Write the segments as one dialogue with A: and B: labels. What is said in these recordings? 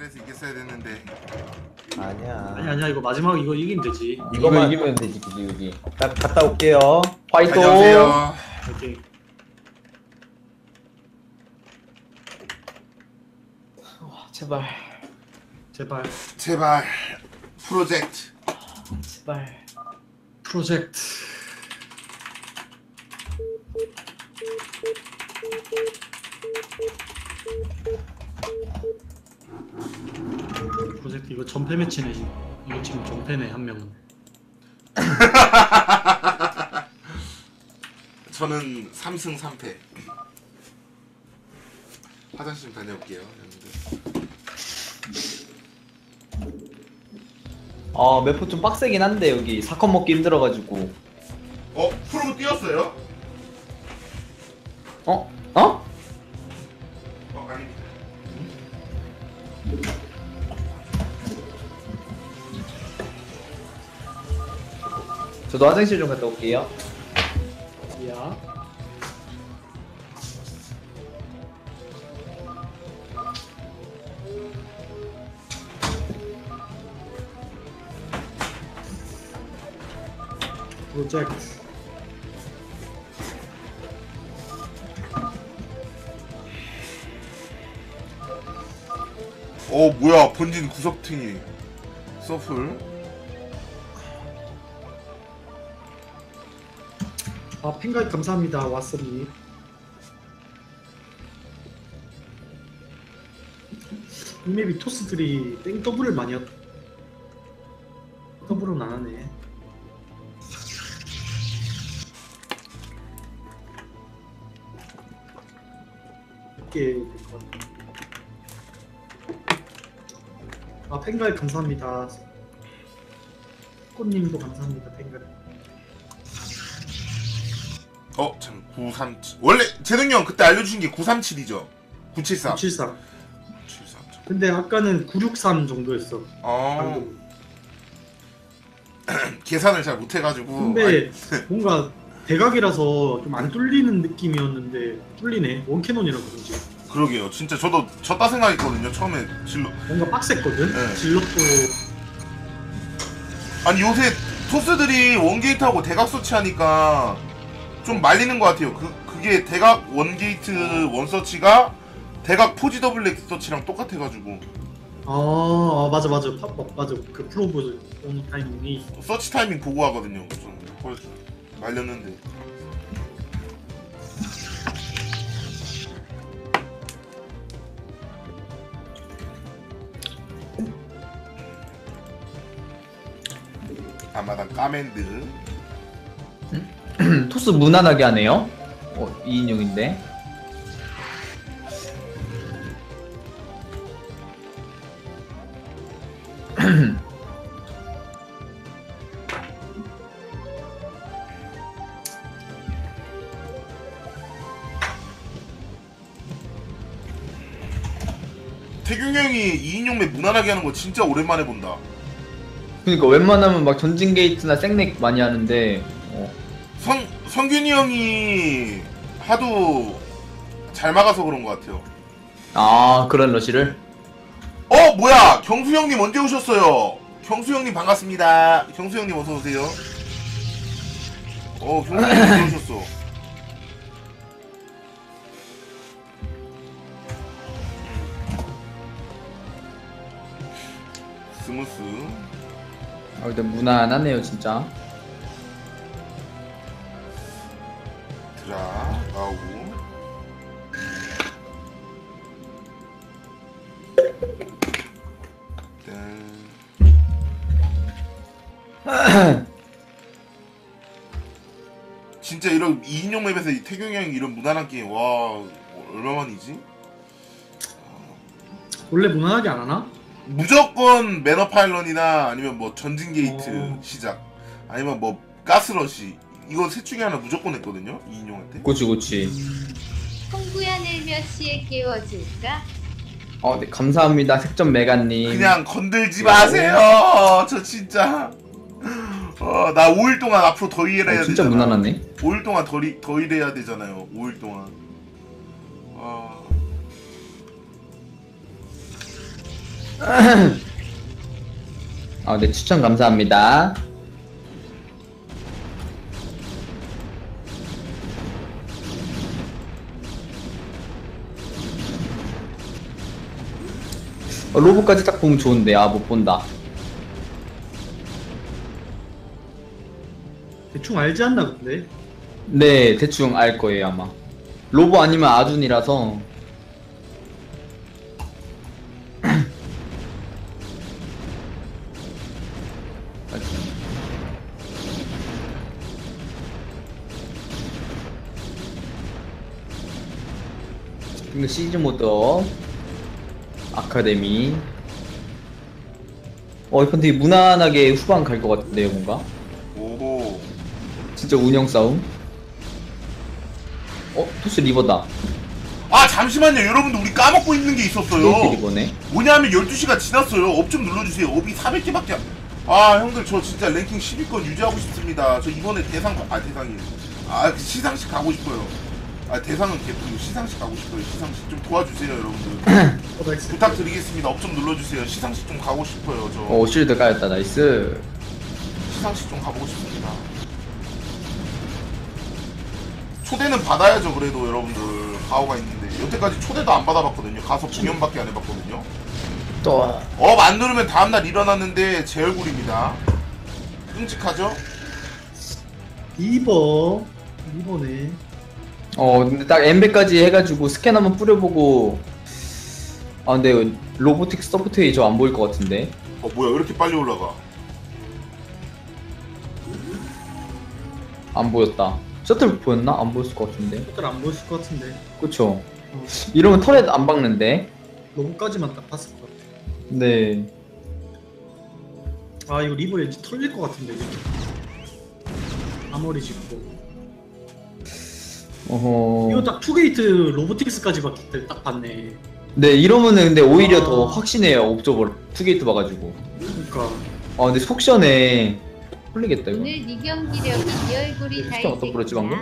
A: 잘해서 이겼어야 됐는데.
B: 아니야.
C: 아니야 이거 마지막 이거 이기면 되지.
B: 이거 이기면 되지 그지 여기. 나 갔다 올게요. 화이팅.
A: 안녕하세요.
C: 오케이.
B: 제발.
C: 제발
A: 제발 프로젝트.
B: 제발.
C: 프로젝트. 프로젝트 이거 전패 매치네. 이거 지금 전패네 한 명은.
A: 저는 3승 3패. 화장실 좀 다녀올게요. 여러분들.
B: 매포 좀 빡세긴 한데 여기 사건 먹기 힘들어가지고.
A: 프로 뛰었어요?
B: 아닙니다. 저도 화장실 좀 갔다 올게요.
C: 야. 프로젝트.
A: 뭐야 본진 구석탱이 서플.
C: 아 핑가이 감사합니다. 와서비. 이 맵이 토스들이 땡 더블을 많이 했. 더블은 안 하네. 이게 될 것 같아. 아 팬가이 감사합니다. 꽃님도 감사합니다. 팬가이.
A: 참 937. 원래 재능이 형 그때 알려주신 게 937이죠? 973.
C: 973.
A: 973.
C: 근데 아까는 963 정도였어. 방금.
A: 계산을 잘 못해가지고.
C: 근데 뭔가 대각이라서 좀 안 뚫리는 느낌이었는데 뚫리네. 원캐논이라 그런지.
A: 그러게요. 진짜 저도 졌다 생각했거든요. 처음에 질러.
C: 뭔가 빡셌거든.
A: 네.
C: 질럿도
A: 아니 요새 토스들이 원게이트하고 대각 서치하니까 좀 말리는 것 같아요. 그게 대각 원게이트 원서치가 대각 포지 더블 렉 서치랑 똑같아가지고
C: 맞아 맞아 맞아 그 프로브 오는 타이밍이
A: 서치 타이밍 보고 하거든요. 좀 그래서 말렸는데. 아마당 까맨드.
B: 토스 무난하게 하네요. 2인용인데.
A: 태균 형이 2인용 맵 무난하게 하는 거 진짜 오랜만에 본다.
B: 그러니까 웬만하면 막 전진 게이트나 생렉 많이 하는데.
A: 성균이 형이 하도 잘 막아서 그런 것 같아요.
B: 그런 러시를?
A: 뭐야 경수 형님 언제 오셨어요? 경수 형님 반갑습니다. 경수 형님 어서 오세요. 경수 형님 언제 오셨어? 스무스.
B: 근데 무난하네요 진짜.
A: 드라 나오고. 진짜 이런 2인용 맵에서 이 태경이 형이 이런 무난한 게임 와 얼마만이지?
C: 원래 무난하게 안 하나?
A: 무조건 매너 파일런이나 아니면 뭐 전진 게이트 시작 아니면 뭐 가스러시 이거 셋 중에 하나 무조건 했거든요 2인용한테.
B: 그치.
D: 홍구야 내일 몇 시에 깨워줄까?
B: 네, 감사합니다 색점 메가님.
A: 그냥 건들지 마세요. 저 진짜 나 5일 동안 앞으로 더 일해야
B: 진짜
A: 되잖아.
B: 무난하네.
A: 5일 동안 더 일해야 되잖아요. 5일 동안.
B: 아, 네, 추천 감사합니다. 로봇까지 딱 보면 좋은데, 아, 못 본다.
C: 대충 알지 않나 근데?
B: 네, 대충 알 거예요, 아마. 로봇 아니면 아둔이라서. 이거 시즌 모드 아카데미. 이건 되게 무난하게 후반 갈 것 같은데요, 뭔가?
A: 오호.
B: 진짜 운영 싸움. 토스 리버다.
A: 아 잠시만요 여러분들 우리 까먹고 있는 게
B: 이렇게
A: 있었어요.
B: 리버네.
A: 뭐냐면 12시가 지났어요. 업 좀 눌러주세요. 업이 400개밖에 아 형들 저 진짜 랭킹 10위권 유지하고 싶습니다. 저 이번에 대상이 시상식 가고 싶어요. 대상은 개뿔이고 시상식 가고 싶어요. 시상식 좀 도와주세요 여러분들.
C: 나이스.
A: 부탁드리겠습니다. 업 좀 눌러주세요. 시상식 좀 가고 싶어요 저.
B: 쉴드 까였다. 나이스.
A: 시상식 좀 가보고 싶습니다. 초대는 받아야죠 그래도 여러분들 가오가 있는데 여태까지 초대도 안 받아봤거든요. 가서 공연밖에 안 해봤거든요.
B: 또.
A: 업 안 누르면 다음날 일어났는데 제 얼굴입니다. 끔찍하죠?
C: 리버네.
B: 근데 딱 엠베까지 해가지고 스캔 한번 뿌려보고. 근데 로보틱스 서포트웨이 저 안 보일 것 같은데.
A: 뭐야 왜 이렇게 빨리 올라가?
B: 안 보였다. 셔틀 보였나? 안 보였을 것 같은데.
C: 셔틀 안 보였을 것 같은데.
B: 그쵸. 이러면 터렛 안 박는데.
C: 로봇까지만 딱 봤을 것 같아.
B: 네.
C: 이거 리버 왠지 털릴 것 같은데 이제. 아머리 짚고. 이거 딱 투게이트 로보틱스까지 봤을 때 딱 봤네.
B: 네, 이러면은 근데 오히려 더 확신해요. 옵저버 투게이트 봐가지고.
C: 그러니까.
B: 근데 속 시원해. 홀리겠다 이거.
D: 오늘 네 경기력이 네 얼굴이 다
B: 스캔 어디다 뿌렸지, 방금?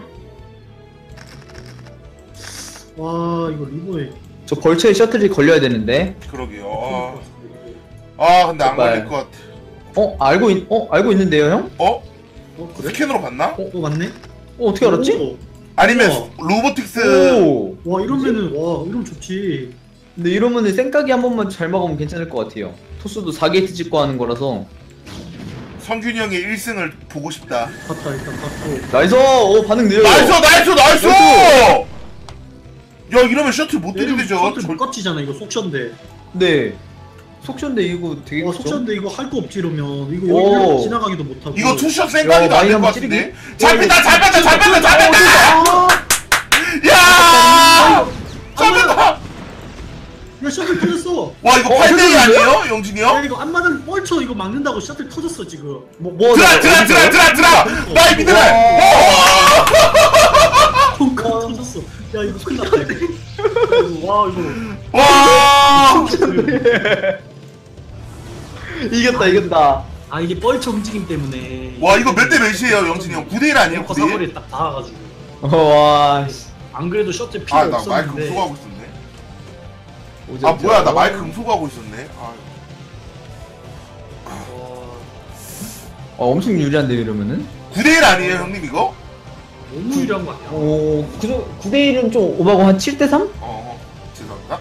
C: 와 이거 리버에.
B: 저 벌처에 셔틀이 걸려야 되는데.
A: 그러게요. 근데 안
B: 제발.
A: 걸릴 것 같아.
B: 알고 있는데요, 형?
C: 그래?
A: 스캔으로 봤나?
C: 맞네.
B: 어떻게 알았지?
C: 오.
A: 아니면
C: 우와.
A: 로보틱스
B: 오.
C: 와 이러면은 이러면 좋지.
B: 근데 이러면은 생각이 한 번만 잘 막으면 괜찮을 것 같아요. 토스도 4게이트 찍고 하는 거라서.
A: 성균이 형의 1승을 보고 싶다.
C: 봤다 일단 봤고.
B: 나이스! 반응 느려요.
A: 나이스! 야 이러면 셔틀 못 들이대죠.
C: 셔틀 못 깝치잖아 이거 속션데.
B: 네. 속션데 이거 되게
C: 와
B: 크죠?
C: 속션데 이거 할 거 없지 이러면 이거
B: 오.
C: 여기 지나가기도 못하고.
A: 이거 투샷 생각이도
B: 야,
A: 안 될 것
B: 마이너스
A: 같은데.
B: 찌르기.
A: 잘 뺀다! 야!
C: 야 셔틀 터졌어.
A: 와 이거 8대2 아니에요? 영진이
C: 야
A: 형?
C: 이거 앞마당 뻘쳐 이거 막는다고 셔틀 터졌어 지금.
A: 드라! 나이 믿으래!
C: 펑크 터졌어. 야 이거 큰일 났다 이거. 와 이거.
A: 와!
B: 이겼다.
C: 이게 뻘쳐 움직임 때문에.
A: 와 이거 몇 대 몇이에요 영진이 형? 9대1 아니에요? 9대1?
C: 사거리에 딱 닿아가지고.
B: 와, 씨.
C: 안 그래도 셔틀 필요
A: 나 마이크
C: 없었는데.
A: 음소거하고 있었네.
B: 오졌죠?
A: 뭐야 나 마이크 음소거하고 있었네.
B: 엄청 유리한데 이러면은?
A: 9대1 아니에요 형님 이거?
C: 너무 유리한 거 아니야?
B: 9대1은 좀 오바고 한 7대3?
A: 죄송합니다.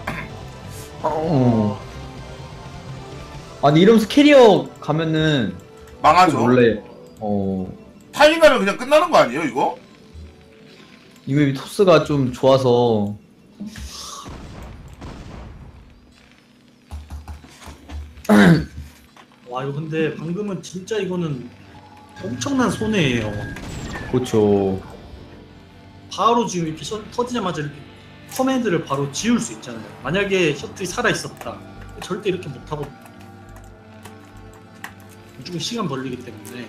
B: 아니 이러면서 캐리어 가면은
A: 망하죠.
B: 원래
A: 타이밍 가면 그냥 끝나는 거 아니에요 이거?
B: 이 맵이 토스가 좀 좋아서
C: 와 이거 근데 방금은 진짜 이거는 엄청난 손해예요.
B: 그렇죠.
C: 바로 지금 이렇게 터지자마자 이렇게 커맨드를 바로 지울 수 있잖아요. 만약에 셔틀이 살아 있었다, 절대 이렇게 못 하고 무조건 시간 벌리기 때문에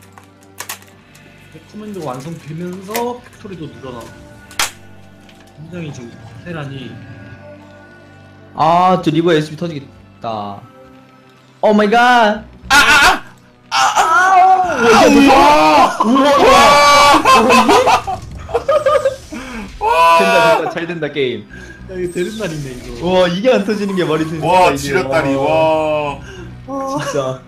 C: 커맨드가 완성되면서 팩토리도 늘어나고 굉장히 지금 테란이
B: 저 리버 SB 터지겠다. 오 마이 갓. 된다 잘 된다 게임.
C: 이거 되는 날이네 이거.
B: 와 이게 안 터지는 게 말이 되는
A: 와 지렸다리 와.
B: 진짜.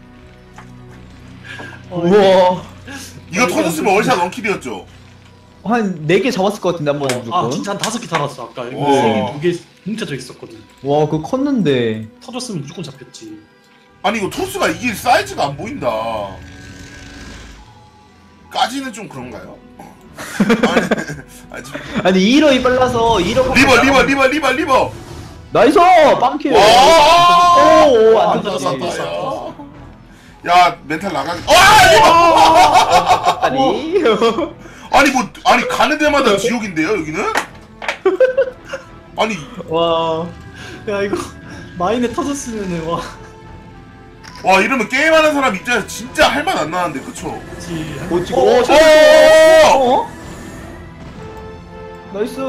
C: 어,
B: 우와.
A: 이거 터졌으면 월샷 원킬이었죠.
B: 한 4개 잡았을 것 같은데 한번 무조건.
C: 아 진짜 한 5개 달았어 아까. 이거
A: 와.
C: 3개 2개 뭉쳐져 있었거든.
B: 와 그거 컸는데.
C: 터졌으면 무조건 잡혔지.
A: 아니 이거 토스가 이길 사이즈가 안 보인다. 까지는 좀 그런가요? 아니,
B: 아니 2러이 빨라서 2러.
A: 리버.
B: 나이스 빵킬.
A: 와.
B: 오오 안
C: 안
B: 터졌어.
C: 터졌어.
A: 야. 야 멘탈 나가기. 와 리버.
B: 아니.
A: 아니 가는 데마다 지옥인데요 여기는? 아니
B: 와.
C: 야 이거 마인에 터졌으면은 와.
A: 와 이러면 게임하는 사람 입장에서 진짜 할 맛 안 나는데 그쵸?
C: 그치.
B: 오 지금
A: 어,
B: 어? 나이스.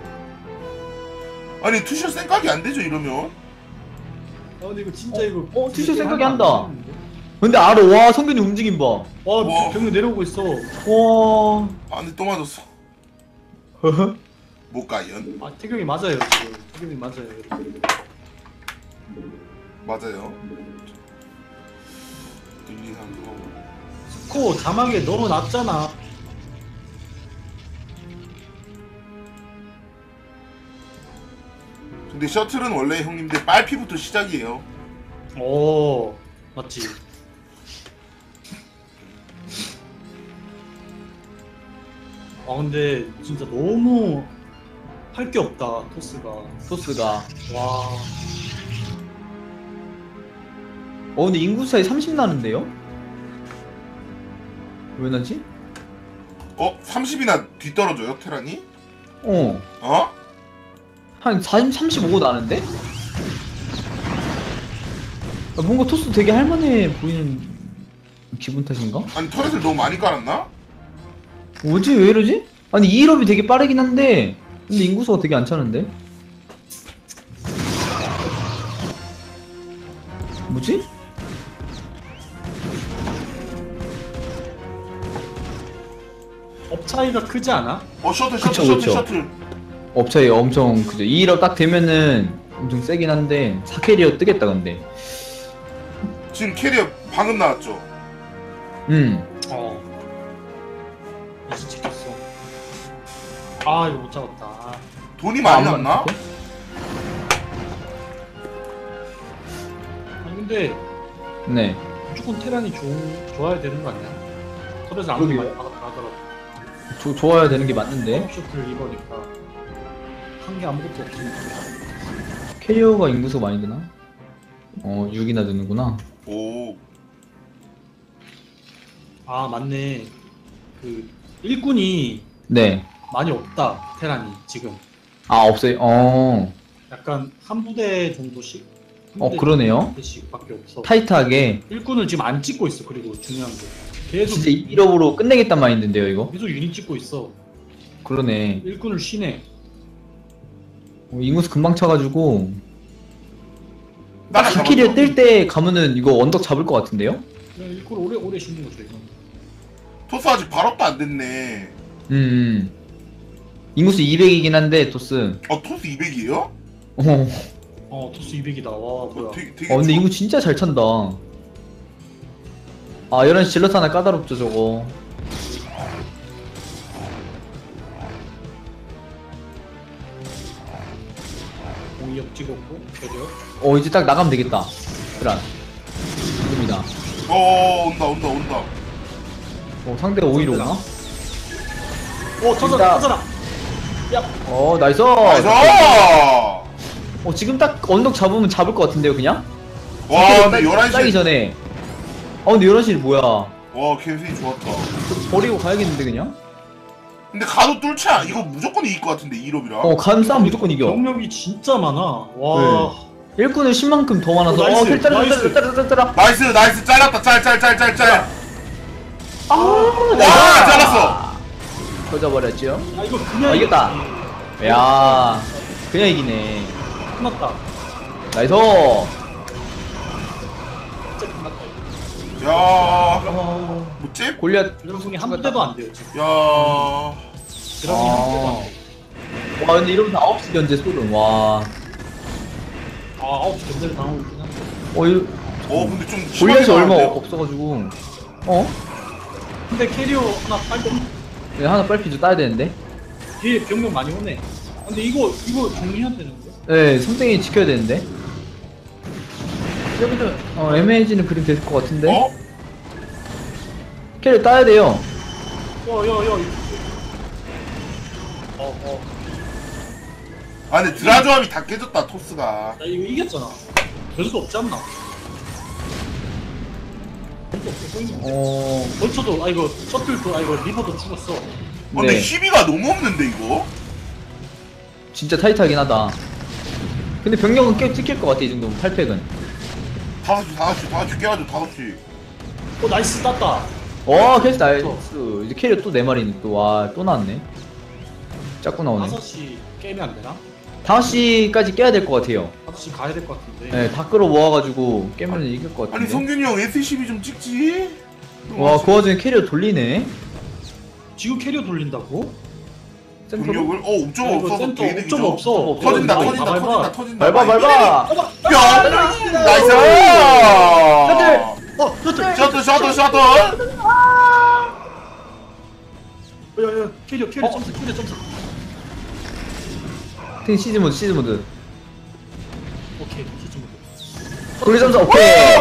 A: 아니 투샷 생각이 안 되죠 이러면?
C: 아 근데 이거 진짜 이거.
B: 티셔츠 생각이 한다. 근데 알아. 와 성균이 움직임 봐.
C: 와
A: 와.
C: 병력 내려오고 있어.
B: 와.
A: 아 근데 또 맞았어. 못 가연.
C: 아 태경이 맞아요 지금. 태경이 맞아요.
A: 맞아요. 1, 2, 3, 4,
C: 스코어 자막에 너무 낮잖아.
A: 근데 셔틀은 원래 형님들 빨피부터 시작이에요.
C: 오 맞지. 아 근데 진짜 너무 할 게 없다 토스가.
B: 토스가.
C: 와.
B: 근데 인구 차이 30 나는데요? 왜 나지?
A: 30이나 뒤떨어져요 테란이?
B: 어.
A: 어?
B: 한 40, 35 나는데? 뭔가 토스 되게 할만해 보이는 기분 탓인가?
A: 아니 터렛을 너무 많이 깔았나?
B: 뭐지? 왜 이러지? 아니 2일업이 되게 빠르긴 한데 근데 인구수가 되게 안 차는데? 뭐지?
C: 업 차이가 크지 않아?
A: 셔틀
B: 그쵸, 그쵸. 업차이 엄청 그죠. 2일업 딱 되면은 엄청 세긴 한데 4캐리어 뜨겠다 근데.
A: 지금 캐리어 방금 나왔죠?
C: 어. 다시 찍혔어. 아 이거 못 잡았다.
A: 돈이 많이
B: 안
A: 났나?
B: 맞는데?
C: 아니 근데
B: 네.
C: 무조건 테란이 좋아야 되는 거 아니야? 털에서 아무리 많이 받아더라도
B: 좋아야 되는 게 맞는데
C: 옵셔틀 입으니까 한 게 아무것도 없으니까.
B: 캐리어가 인구수가 많이 드나? 6이나 드는구나.
A: 오.
C: 아 맞네. 그 일꾼이
B: 네.
C: 많이 없다 테란이 지금.
B: 아 없어요.
C: 약간 한 부대 정도씩.
B: 그러네요.
C: 부대씩밖에 없어.
B: 타이트하게.
C: 일꾼을 지금 안 찍고 있어. 그리고 중요한 게 계속
B: 진짜 1업으로 끝내겠단 마인드인데요 이거?
C: 계속 유닛 찍고 있어.
B: 그러네.
C: 일꾼을 쉬네.
B: 인구수 금방 차가지고
A: 나라
B: 4캐리어
A: 잡았죠?
B: 뜰 때 가면은 이거 언덕 잡을 것 같은데요?
C: 그냥 일꾼 오래 쉬는 거죠 이건.
A: 토스 아직 발업도 안 됐네.
B: 인구수 200이긴 한데 토스.
A: 토스 200이에요?
C: 토스 200이다. 와 뭐야.
A: 되게
B: 근데 인구 진짜 잘 찬다. 11시 질럿 하나 까다롭죠 저거.
C: 공이업 찍었고 캐리어.
B: 이제 딱 나가면 되겠다. 그란. 지금이다.
A: 온다.
B: 상대가 오히려 오나?
C: 터져라 터져라.
B: 나이스!
A: 나이스!
B: 지금 딱 언덕 잡으면 잡을 것 같은데요 그냥?
A: 와 근데
B: 따기
A: 11시에
B: 전에. 근데 11시 뭐야?
A: 와 캠핑이 좋았다.
B: 버리고 가야겠는데 그냥?
A: 근데 가도 뚫자 이거 무조건 이길 것 같은데 2롭이라.
B: 간 싸움 무조건 이겨.
C: 병력이 진짜 많아. 와.
B: 일꾼을 10만큼 더 많아서
C: 나이스, 나이스.
B: 짜라짜라짜라.
A: 나이스 잘랐다 짤.
B: 와
A: 잘랐어.
B: 터져버렸죠?
C: 이거 그냥
B: 이겼다. 야 그냥 이기네.
C: 끝났다.
B: 나이스.
C: 진짜 끝났다.
A: 야
C: 어.
A: 뭐지?
B: 골리앗
C: 드라군이 한 부대도 안 돼요 지금.
A: 야
C: 드라군이 한 부대도 안 돼.
B: 와 근데 이러면서 9시 견제 소름. 와.
C: 아 9시 견제를 당하고 있긴 한데.
B: 이거
A: 근데 좀
B: 골렛이 얼마
A: 나왔는데요?
B: 없어가지고.
C: 근데 캐리어 하나 빨리
B: 네, 하나 빨리 좀 따야 되는데.
C: 뒤에 병력 많이 오네. 근데 이거 정리해야 되는데.
B: 네, 섬뜩이 지켜야 되는데. 여기도 애매해지는 그림 될 것 같은데. 캐리 따야 돼요.
C: 야야야.
A: 아 근데 드라 조합이 다 깨졌다 토스가.
C: 나 이거 이겼잖아. 변수 없지 않나? 변수 없어 보이네. 벌쳐도 이거 셔틀도 이거 리버도 죽었어.
A: 근데
B: 네,
A: 시비가 너무 없는데 이거?
B: 진짜 타이트하긴 하다. 근데 병력은 꽤 찍힐 것 같아 이 정도면 8팩은.
A: 다 같이 깨가지고 다 같이.
C: 나이스 땄다.
B: 캐스 나이스. 이제 캐리어 또 4마리는 또, 와, 또 나왔네. 자꾸 나오네.
C: 5시 깨면 안 되나?
B: 5시까지 깨야 될 것 같아요.
C: 5시 가야 될 것 같은데.
B: 네, 다 끌어 모아가지고 깨면 이길 것 같은데.
A: 아니 성균이 형 SCB 좀 찍지.
B: 와, 그 와중에 캐리어 돌리네.
C: 지금 캐리어 돌린다고?
B: 센터로?
A: 병력을 옵저가
C: 이거
A: 없어서
C: 센터
A: 개이득이죠.
C: 옵점 없어.
A: 터진다
C: 이거
A: 터진다
C: 밟아.
A: 터진다 터진다.
B: 밟아.
A: 뿅! 나이스!
C: 셔틀.
A: 셔틀!
C: 야야 캐리어 점수 캐리어 점수.
B: 탱 시즈 모드.
C: 오케이 시즌 모드.
B: 돌리 점수 오케이.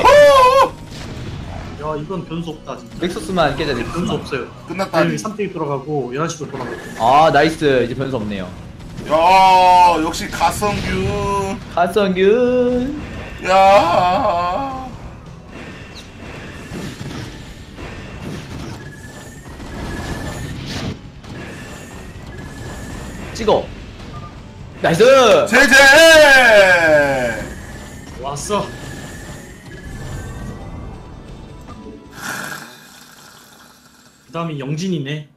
C: 야 이건 변수 없다 진짜.
B: 넥서스만 깨자,
C: 변수
B: 넥서스.
C: 없어요.
A: 끝났다.
C: 3대 돌아가고 11시로 돌아가고.
B: 아, 나이스. 이제 변수 없네요.
A: 야 역시 가성균.
B: 하성균.
A: 야.
B: 찍어. 나이스.
A: 제제.
C: 왔어. 그 다음이 영진이네.